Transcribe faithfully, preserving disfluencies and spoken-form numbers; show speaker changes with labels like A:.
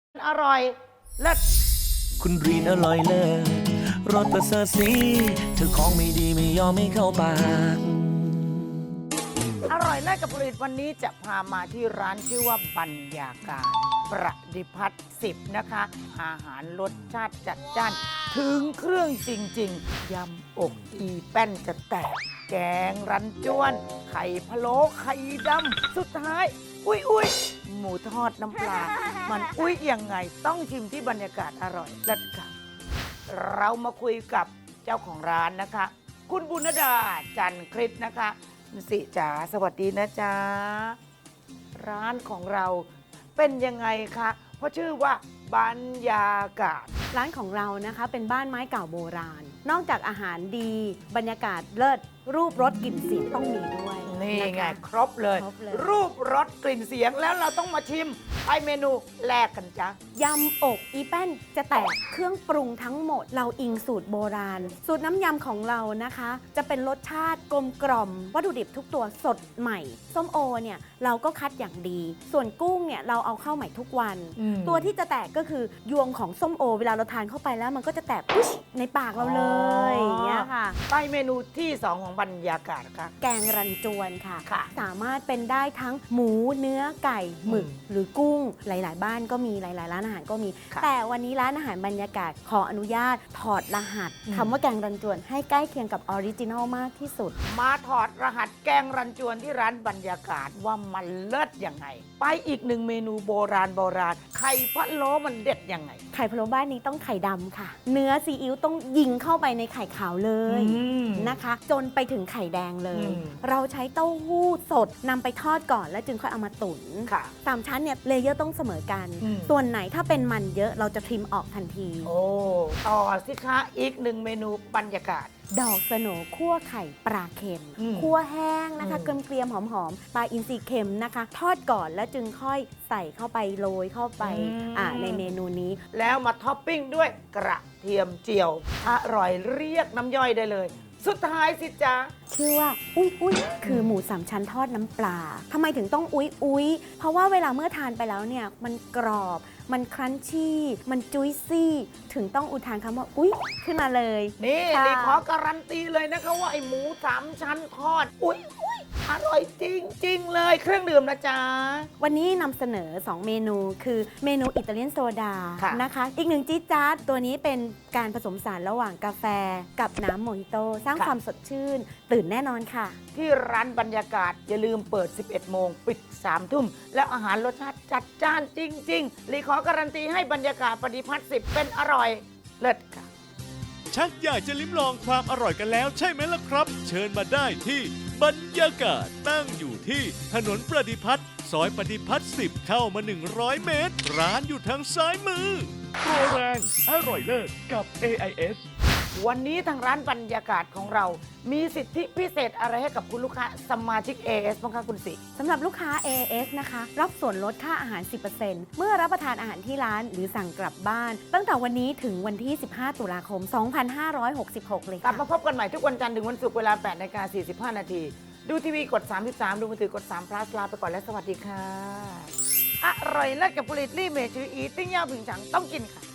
A: อร่อยเลิศ
B: คุณรีนอร่อยเลิศรสประเสริฐสีเธอของไม่ดีไม่ยอมไม่เข้าปาก
A: อร่อยเลิศกับผลิตวันนี้จะพามาที่ร้านชื่อว่าบรรยากาศประดิพัฒน์สิบนะคะอาหารรสชาติจัดจ้านถึงเครื่องจริงๆยำอกอีแป้นจะแตกแกงรันจวน ไข่พะโล้ไข่ดำสุดท้าย อุ้ยอุ้ยหมูทอดน้ำปลา มันอุ้ยยังไงต้องชิมที่บรรยากาศอร่อยเลิศค่ะ เรามาคุยกับเจ้าของร้านนะคะ คุณบุญดาจันคริสนะคะสิจ๋าสวัสดีนะจ๊ะร้านของเราเป็นยังไงคะเพราะชื่อว่าบรรยากาศ
C: ร้านของเรานะคะเป็นบ้านไม้เก่าโบราณ นอกจากอาหารดีบรรยากาศเลิศรูปรสกลิ่นเสียงต้องมีด้วย
A: นี่
C: ะคะ
A: ไงครบเลย
C: ครบเลย
A: รูปรสกลิ่นเสียงแล้วเราต้องมาชิมไปเมนูแรกกันจ้ะ
C: ยำอกอีแป้นจะแตกเครื่องปรุงทั้งหมด เราอิงสูตรโบราณ สูตรน้ำยำของเรานะคะ จะเป็นรสชาติกลมกล่อมวัตถุดิบทุกตัวสดใหม่ส้มโอเนี่ยเราก็คัดอย่างดี ส่วนกุ้งเนี่ยเราเอาเข้าใหม่ทุกวัน
A: อืม
C: ตัวที่จะแตกก็คือยวงของส้มโอ เวลาเราทานเข้าไปแล้วมันก็จะแตกปุ๊ชในปากเราเลยอย่างเงี้ยค่ะ
A: ไปเมนูที่สองของบรรยากาศค่ะ
C: แกงรันจวนค่ะ
A: ค่ะ
C: สามารถเป็นได้ทั้งหมูเนื้อไก่หมึก
A: อืม
C: หรือกุ้งหลาย ๆ บ้านก็มีหลาย ๆ ร้านอาหารก็มี
A: ค่ะ
C: แต่วันนี้ร้านอาหารบรรยากาศขออนุญาตถอดรหัส
A: อืม
C: คำว่าแกงรันจวนให้ใกล้เคียงกับออริจินอลมากที่สุด
A: มาถอดรหัสแกงรันจวนที่ร้านบรรยากาศว่ามันเลิศยังไง ไปอีกหนึ่งเมนูโบราณโบราณไข่พะโล้มันเด็ดยังไง
C: ไข่พะโล้บ้านนี้ต้องไข่ดำค่ะ เนื้อซีอิ๊วต้องยิงเข้าไปในไข่ขาวเลย
A: อืม
C: นะคะ จนไปถึงไข่แดงเลย
A: อืม
C: เราใช้เต้าหู้สดนำไปทอดก่อนแล้วจึงค่อยเอามาตุ๋น
A: ค่ะ
C: สามชั้นเนี่ยเลเยอร์ต้องเสมอกัน
A: อืม
C: ส่วนไหนถ้าเป็นมันเยอะเราจะทริมออกทันที
A: โอ้ต่อสิคะอีกหนึ่งเมนูบรรยากาศ
C: ดอกสโหนคั่วไข่ปลาเค็ม
A: อืม
C: คั่วแห้งนะคะ
A: อืม
C: เกรียมๆหอมๆปลาอินทรีเค็มนะคะ ทอดก่อนแล้วจึงค่อยใส่เข้าไปโรยเข้าไปอ่าในเมนูนี้
A: แล้วมาท็อปปิ้งด้วยกระเทียมเจียว อร่อยเรียกน้ำย่อยได้เลย สุดท้ายสิจ๊ะ
C: ชื่อว่าอุ้ยอุ้ยคือหมูสามชั้นทอดน้ำปลาทำไมถึงต้องอุ้ยอุ้ยเพราะว่าเวลาเมื่อทานไปแล้วเนี่ยมันกรอบ มันครันชี่ มันจุยซี่ ถึงต้องอุทานคำว่าอุ้ยขึ้นมาเลย
A: นี่
C: ค่ะ
A: ลีขอการันตีเลยนะคะว่าไอหมูสามชั้นทอด อุ๊ยอุ๊ยอร่อยจริงจริงๆเลยเครื่องดื่มนะจ๊ะ
C: วันนี้นำเสนอ สอง เมนูคือเมนูอิตาเลียนโซดา
A: ค่ะ
C: นะคะ อีกหนึ่งจี๊ดจ๊าดตัวนี้เป็นการผสมสารระหว่างกาแฟกับน้ำโมฮิโต สร้างความสดชื่น ตื่นแน่นอนค่ะ
A: ที่ร้านบรรยากาศอย่าลืมเปิด สิบเอ็ด โมง ปิด สาม ทุ่ม แล้วอาหารรสชาติจัดจ้านจริงๆลีขอการันตีให้บรรยากาศปฏิพัฒน์สิบเป็นอร่อยเลิศค่ะ
D: ชักอยากจะลิ้มลองความอร่อยกันแล้วใช่ไหมล่ะครับ เชิญมาได้ที่บรรยากาศตั้งอยู่ที่ถนนประดิพัฒน์ซอยประดิพัฒน์สิบเข้ามา หนึ่งร้อย เมตร ร้านอยู่ทางซ้ายมือโปรแรงอร่อยเลิศกับ เอ ไอ เอส
A: วันนี้ทางร้านบรรยากาศของเรา มีสิทธิพิเศษอะไรให้กับคุณลูกค้าสมาชิก เอ เอส บ้างคะคุณสิ
C: สำหรับลูกค้า เอ เอส นะคะ รับส่วนลดค่าอาหาร สิบเปอร์เซ็นต์ เมื่อรับประทานอาหารที่ร้านหรือสั่งกลับบ้าน ตั้งแต่วันนี้ถึงวันที่ สิบห้า ตุลาคม สองพันห้าร้อยหกสิบหก เลย
A: กลับ
C: ค่ะ
A: มาพบกันใหม่ทุกวันจันทร์ถึงวันศุกร์เวลา แปดนาฬิกาสี่สิบห้า นาที ดูทีวีกด สามสิบสาม ดูมือถือกด3 plus ลาไปก่อนและสวัสดีค่ะ อร่อยเลิศกับผลิตลี่เมจืออีติ้งย่าผิงฉังต้องกินค่ะ